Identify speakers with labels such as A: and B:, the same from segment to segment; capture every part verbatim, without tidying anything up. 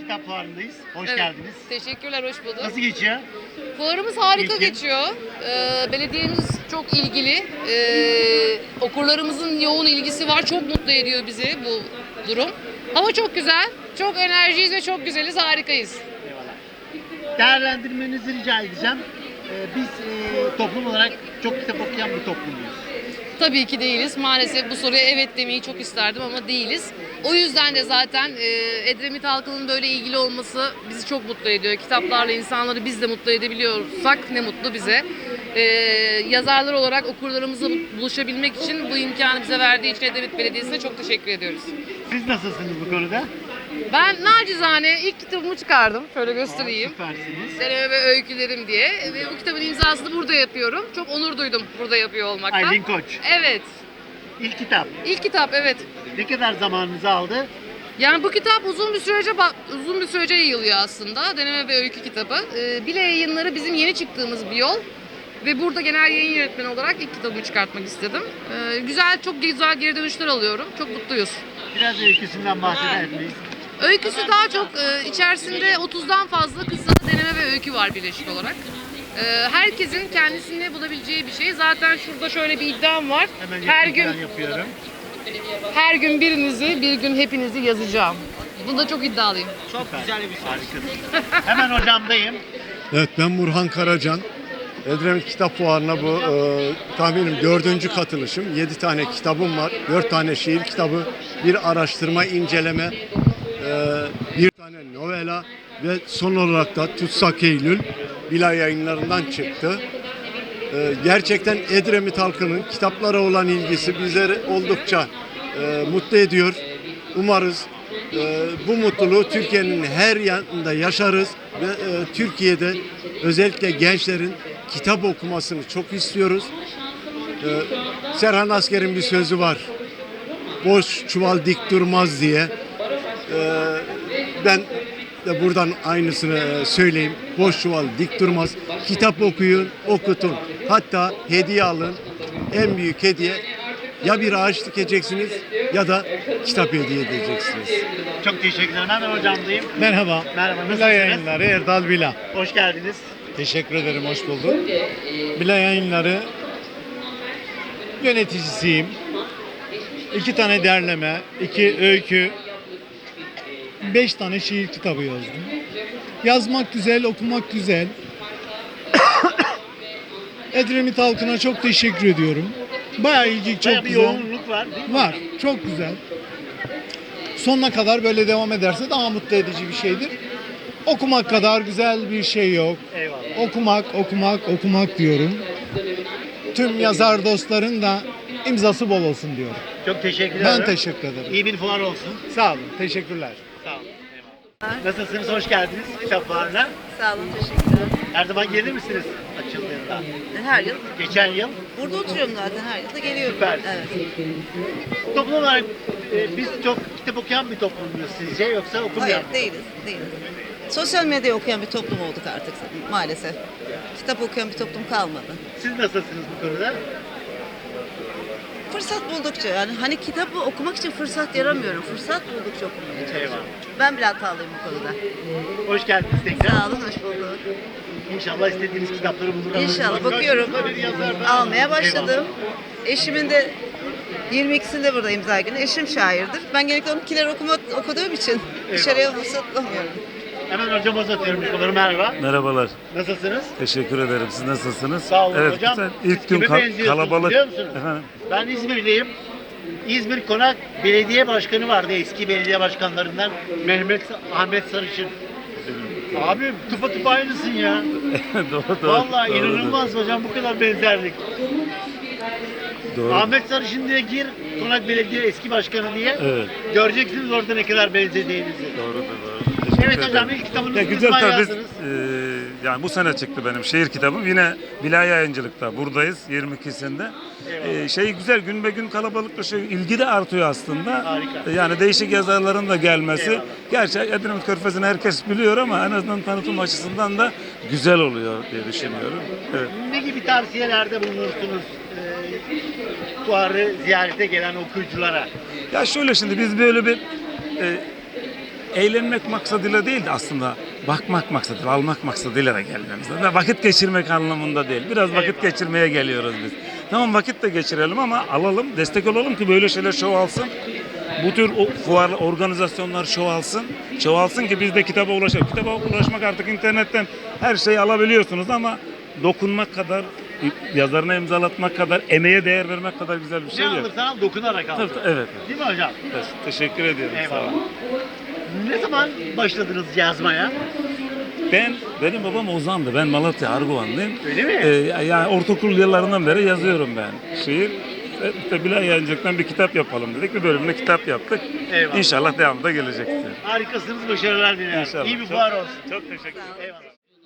A: Kitap Fuarı'ndayız. Hoş
B: Evet.
A: geldiniz.
B: Teşekkürler, hoş bulduk.
A: Nasıl geçiyor?
B: Fuarımız harika
A: İlkin.
B: geçiyor. Ee, belediyemiz çok ilgili. Ee, okurlarımızın yoğun ilgisi var. Çok mutlu ediyor bizi bu durum. Hava çok güzel. Çok enerjiyiz ve çok güzeliz. Harikayız.
A: Eyvallah. Değerlendirmenizi rica edeceğim. Ee, biz e, toplum olarak çok kitap okuyan bir toplumuyuz.
B: Tabii ki değiliz. Maalesef bu soruya evet demeyi çok isterdim ama değiliz. O yüzden de zaten e, Edremit halkının böyle ilgili olması bizi çok mutlu ediyor. Kitaplarla insanları biz de mutlu edebiliyorsak ne mutlu bize. E, yazarlar olarak okurlarımızla buluşabilmek için bu imkanı bize verdiği için Edremit Belediyesi'ne çok teşekkür ediyoruz.
A: Siz nasılsınız bu konuda?
B: Ben nacizane ilk kitabımı çıkardım. Şöyle göstereyim.
A: Süpersiniz.
B: Deneme ve öykülerim diye. Ve bu kitabın imzasını burada yapıyorum. Çok onur duydum burada yapıyor olmaktan.
A: Aylin Koç.
B: Evet.
A: İlk kitap.
B: İlk kitap, evet.
A: Ne kadar zamanınızı aldı?
B: Yani bu kitap uzun bir sürece uzun bir sürece yayılıyor aslında. Deneme ve öykü kitabı. Ee, Bile Yayınları bizim yeni çıktığımız bir yol. Ve burada genel yayın yönetmeni olarak ilk kitabımı çıkartmak istedim. Ee, güzel, çok güzel geri dönüşler alıyorum. Çok mutluyuz.
A: Biraz öyküsünden bahseder miyiz?
B: Öyküsü daha çok e, içerisinde otuzdan fazla kısa deneme ve öykü var birleşik olarak. E, herkesin kendisini bulabileceği bir şey. Zaten şurada şöyle bir iddiam var.
A: Hemen
B: Her gün
A: yakından yapıyorum.
B: her gün birinizi, bir gün hepinizi yazacağım. Bunda çok iddialıyım.
A: Çok güzel bir şey. Harikasın. Hemen hocamdayım.
C: Evet, ben Burhan Karacan. Edremit Kitap Fuarı'na bu e, tahminim dördüncü katılışım. Yedi tane kitabım var. Dört tane şiir kitabı, bir araştırma inceleme, e, bir tane novela ve son olarak da Tutsak Eylül Bila Yayınlarından çıktı. E, gerçekten Edremit halkının kitaplara olan ilgisi bizleri oldukça e, mutlu ediyor. Umarız e, bu mutluluğu Türkiye'nin her yanında yaşarız ve e, Türkiye'de özellikle gençlerin kitap okumasını çok istiyoruz. Ee, Serhan Asker'in bir sözü var. Boş çuval dik durmaz diye. Ee, ben de buradan aynısını e, söyleyeyim. Boş çuval dik durmaz. Kitap okuyun, okutun. Hatta hediye alın. En büyük hediye ya bir ağaç dikeceksiniz ya da kitap hediye edeceksiniz.
A: Çok teşekkürler. Hemen hocamdayım.
D: Merhaba.
A: Merhaba, nasılsınız?
D: Bila Yayınları Erdal Bila.
A: Hoş geldiniz.
D: Teşekkür ederim, hoş bulduk. Bila Yayınları yöneticisiyim. İki tane derleme, iki öykü, beş tane şiir kitabı yazdım. Yazmak güzel, okumak güzel. Edremit halkına çok teşekkür ediyorum. Bayağı ilgi çok
A: Bayağı bir
D: güzel.
A: yoğunluk var değil mi?
D: Var, çok güzel. Sonuna kadar böyle devam ederse daha mutlu edici bir şeydir. Okumak kadar güzel bir şey yok.
A: Eyvallah.
D: Okumak, okumak, okumak diyorum. Tüm yazar dostların da imzası bol olsun diyorum.
A: Çok teşekkür ederim.
D: Ben teşekkür ederim.
A: İyi bir fuar olsun.
D: Sağ olun, teşekkürler.
A: Sağ olun. Eyvallah. Nasılsınız? Hoş geldiniz kitap fuarına.
E: Sağ olun, teşekkürler.
A: Her zaman gelir misiniz açıldığında?
E: Her yıl
A: Geçen yıl.
E: burada oturuyorum zaten, her yıl da geliyorum.
A: Süper.
E: Evet.
A: Toplum olarak e, biz çok kitap okuyan bir toplum muyuz sizce yoksa okumayan
E: Hayır,
A: mı?
E: değiliz, değiliz. Sosyal medya okuyan bir toplum olduk artık maalesef. Kitap okuyan bir toplum kalmadı.
A: Siz nasılsınız bu konuda?
E: Fırsat buldukça yani hani kitabı okumak için fırsat yaramıyorum. Fırsat buldukça okumaya çalışıyorum.
A: Eyvallah.
E: Ben bile hatalıyım bu konuda.
A: Hoş geldiniz tekrar.
E: Sağ olun, hoş bulduk.
A: İnşallah istediğiniz kitapları bulur.
E: İnşallah bakıyorum. Almaya başladım. Eşimin de yirmi ikisinde burada imza günü. Eşim şairdir. Ben genellikle onunkileri okuma, okuduğum için dışarıya fırsat bulamıyorum.
A: Hemen hocama uzatıyorum mikrofonumu. Merhaba.
F: Merhabalar.
A: Nasılsınız?
F: Teşekkür ederim. Siz nasılsınız?
A: Sağ olun
F: evet,
A: hocam.
F: Güzel.
A: Siz
F: İlk gün
A: kime
F: kal-
A: benziyorsunuz
F: kalabalık.
A: biliyor musunuz?
F: Efendim?
A: Ben İzmirliyim. İzmir Konak Belediye Başkanı vardı, eski belediye başkanlarından Mehmet Ahmet Sarışın. Abi tıpa tıpa aynısın ya.
F: doğru doğru.
A: Vallahi
F: doğru,
A: inanılmaz hocam, bu kadar benzerlik.
F: Doğru.
A: Ahmet Sarışın diye gir, Konak Belediye eski başkanı diye.
F: Evet.
A: Göreceksiniz orada ne kadar benzediğinizi.
F: Doğrudur doğru. Teşekkür
A: Evet hocam,
F: ederim.
A: ilk kitabınızı
F: Ya
A: ne
F: güzel
A: zaman
F: tabii.
A: yazdınız?
F: Ee, yani bu sene çıktı benim şiir kitabım. Yine Bila Yayıncılık'ta buradayız yirmi ikisinde. Ee, şey güzel, gün be gün kalabalıklaşıyor. İlgi de artıyor aslında.
A: Harika.
F: Yani değişik yazarların da gelmesi.
A: Eyvallah.
F: Gerçi Edremit Körfezi'ni herkes biliyor ama en azından tanıtım açısından da güzel oluyor diye düşünüyorum. Evet.
A: Ne gibi tavsiyelerde bulunursunuz e, fuarı ziyarete gelen okuyuculara?
F: Ya şöyle, şimdi biz böyle bir e, eğlenmek maksadıyla değil de aslında bakmak maksadıyla, almak maksadıyla da gelmemiz lazım. Vakit geçirmek anlamında değil. Biraz vakit geçirmeye geliyoruz biz. Tamam vakit de geçirelim ama alalım, destek olalım ki böyle şeyler çoğalsın. Bu tür fuar organizasyonlar çoğalsın. Çoğalsın ki biz de kitaba ulaşalım. Kitaba ulaşmak artık internetten her şeyi alabiliyorsunuz ama dokunmak kadar, yazarına imzalatmak kadar, emeğe değer vermek kadar güzel bir şey
A: Ne
F: yok.
A: alırsan al dokunarak al.
F: Tabii, tabii, evet.
A: Değil mi hocam?
F: Te- Teşekkür ediyorum. Sağ
A: Eyvallah.
F: olun.
A: Ne zaman başladınız yazmaya?
F: Ben, benim babam Ozan'dı. Ben Malatya Arguvanlıyım.
A: Öyle mi?
F: Ee, yani ortaokul yıllarından beri yazıyorum ben şiir. E, İşte Bilal Yayıncılık'tan bir kitap yapalım dedik. Bir bölümde kitap yaptık.
A: Eyvallah.
F: İnşallah devamı da gelecektir.
A: Harikasınız, başarılar diliyorum.
F: İnşallah.
A: İyi bir
F: Çok-
A: fuar olsun.
F: Çok teşekkür ederim.
A: Eyvallah.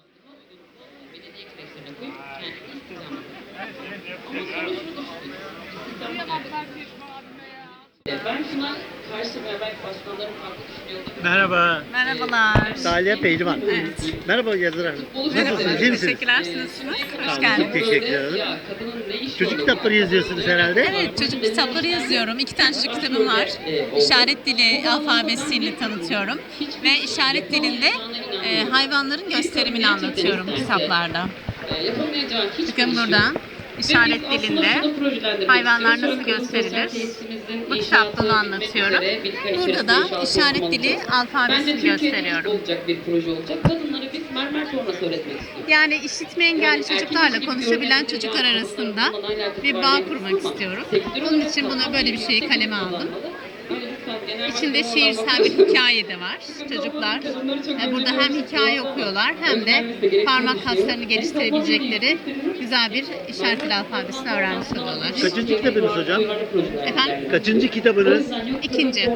G: Ben şuna karşı ve belki başkanların farklı düşünüyordum.
A: Merhaba.
H: Merhabalar.
A: Salih Pehlivan.
H: Evet.
A: Merhaba yazar hanım. Nasılsınız? İyi misiniz?
H: Teşekkürler, siz nasılsınız?
A: Sağ
H: Hoş
A: olun,
H: geldiniz.
A: Çok teşekkür ederim.
G: Ya kadının ne işi
A: Çocuk
G: olur?
A: kitapları yazıyorsunuz herhalde.
H: Evet, çocuk kitapları yazıyorum. İki tane çocuk kitabım var. İşaret dili alfabesiyle tanıtıyorum. Ve işaret dilinde e, hayvanların gösterimini anlatıyorum kitaplarda.
G: E, yapamayacağı hiçbir
H: Bakın
G: iş
H: burada
G: yok.
H: işaret
G: Ve biz
H: dilinde
G: aslında şunu projelendirmek
H: hayvanlar
G: istiyoruz.
H: nasıl
G: Sonra
H: gösterilir?
G: tesisimizin
H: Bu
G: inşaatı
H: kitapta onu
G: bitmek
H: anlatıyorum.
G: üzere, bir ay
H: Burada
G: içerisinde
H: da
G: inşaatı
H: işaret
G: tamamlanacak.
H: dili
G: Bence
H: alfabesini
G: Türkiye'de
H: gösteriyorum.
G: olacak bir proje olacak. Kadınlara biz mermer sonrası öğretmek istiyoruz.
H: Yani işitme engelli çocuklarla konuşabilen çocuklar arasında bir bağ kurmak istiyorum. Bunun için bunu böyle bir şeyi kaleme aldım. İçinde şiirsel bir hikaye de var. Çocuklar e, burada hem hikaye okuyorlar hem de parmak kaslarını geliştirebilecekleri güzel bir işaret dili alfabesini öğrenmiş oluyorlar.
A: Kaçıncı kitabınız hocam?
H: Efendim?
A: Kaçıncı kitabınız?
H: İkinci.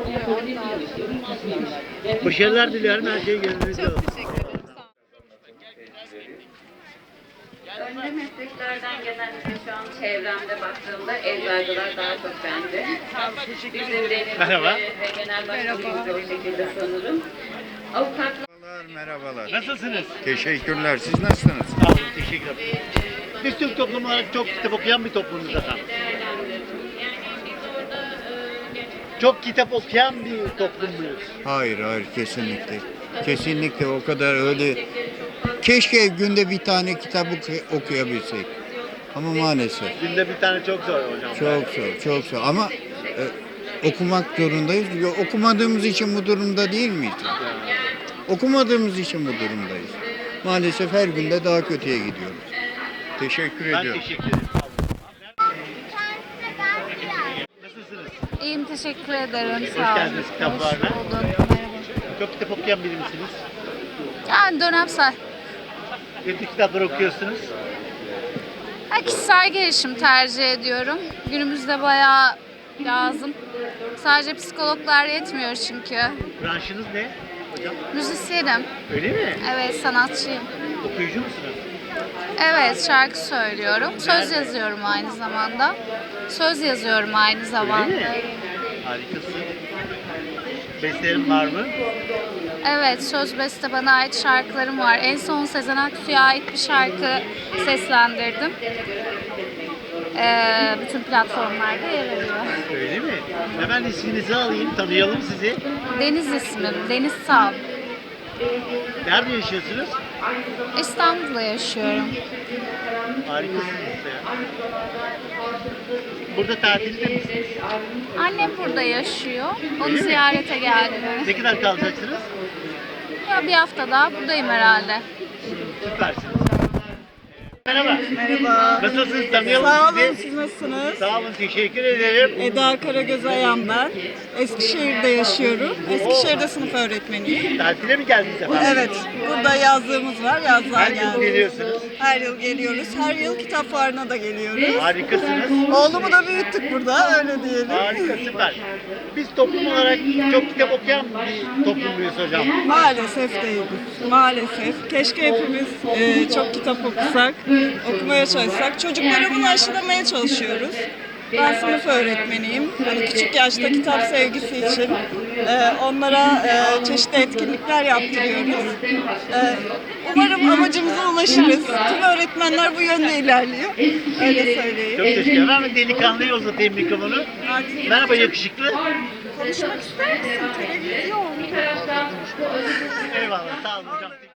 A: Başarılar diliyorum. Her şey gönlünüzce olsun.
H: Çok teşekkür ederim. Sağ olun.
I: Önde mesleklerden genellikle şu an çevremde baktığımda eczacılar daha çok bence. Bizim denizde
A: Merhaba.
I: ve genel başkanımız da o şekilde sanırım. Avukatlar
J: Merhabalar.
A: Nasılsınız?
J: Teşekkürler. Siz nasılsınız?
A: Sağ olun. Teşekkür ederim. Biz Türk toplumu olarak çok kitap okuyan bir toplumuz efendim. Çok kitap okuyan bir toplum muyuz?
J: Hayır, hayır kesinlikle. Kesinlikle o kadar öyle. Keşke günde bir tane kitap oku- okuyabilsek. Ama maalesef
A: Günde bir tane çok zor hocam.
J: çok zor, çok zor. Ama e, okumak zorundayız. Yo, Okumadığımız için bu durumda değil miyiz? Okumadığımız için bu durumdayız. Maalesef her günde daha kötüye gidiyoruz. Teşekkür
A: Ben
J: ediyorum.
A: teşekkür ederim. Nasılsınız?
K: İyiyim, teşekkür ederim.
A: Hoş
K: Sağ olun.
A: geldiniz kitaplarına.
K: Hoş bulduk. Merhaba.
A: Çok kitap okuyan biri misiniz?
K: Yani dönemsel.
A: Ne tür kitaplar okuyorsunuz?
K: Ha, kişisel gelişim tercih ediyorum. Günümüzde bayağı lazım. Sadece psikologlar yetmiyor çünkü.
A: Branşınız ne hocam?
K: Müzisyenim.
A: Öyle mi?
K: Evet, sanatçıyım.
A: Okuyucu musunuz?
K: Evet, şarkı söylüyorum. Söz yazıyorum aynı zamanda. Söz yazıyorum aynı zamanda.
A: mi? Harikasın. Bestelerin var mı?
K: Evet, söz beste bana ait şarkılarım var. En son Sezen Aksu'ya ait bir şarkı seslendirdim. Ee, bütün platformlarda yer alıyor.
A: Öyle mi? Hemen isminizi alayım, tanıyalım sizi.
K: Deniz ismim, Deniz Sal.
A: Nerede yaşıyorsunuz?
K: İstanbul'da yaşıyorum.
A: Harikasınız ya. Burada tatilde misiniz?
K: Annem burada yaşıyor. Onu
A: Öyle mi?
K: ziyarete geldim.
A: Ne kadar kalacaksınız?
K: Ya bir hafta daha buradayım herhalde.
A: Süpersiniz. Merhaba.
E: Merhaba.
A: Nasılsınız? Tanıyalım
E: Sağ olun,
A: sizi.
E: siz nasılsınız?
A: Sağ olun, teşekkür ederim.
E: Eda Karagöz Ayan ben. Eskişehir'de yaşıyorum. Eskişehir'de sınıf öğretmeniyim.
A: Tatile mi geldiniz efendim?
E: Evet, burada yazlığımız var. Yazlığa
A: Her yıl
E: geldik.
A: geliyorsunuz.
E: Her yıl geliyoruz. Her yıl kitap fuarına da geliyoruz.
A: Harikasınız.
E: Oğlumu da büyüttük burada, öyle diyelim.
A: Harika, süper. Biz toplum olarak çok kitap okuyan bir toplumluyuz hocam.
E: Maalesef değiliz. Maalesef. Keşke hepimiz e, çok kitap okusak, okumaya çalışsak. Çocuklara bunu aşılamaya çalışıyoruz. Ben sınıf öğretmeniyim. Hani küçük yaşta kitap sevgisi için e, onlara e, çeşitli etkinlikler yaptırıyoruz. E, umarım amacımıza ulaşırız. Tüm öğretmenler bu yönde ilerliyor. Öyle söyleyeyim.
A: Çok teşekkür ederim. Ben delikanlıya uzatayım mikrofonu. Merhaba yakışıklı.
E: Konuşmak ister misin? Televizyon.
A: Eyvallah sağ olun hocam.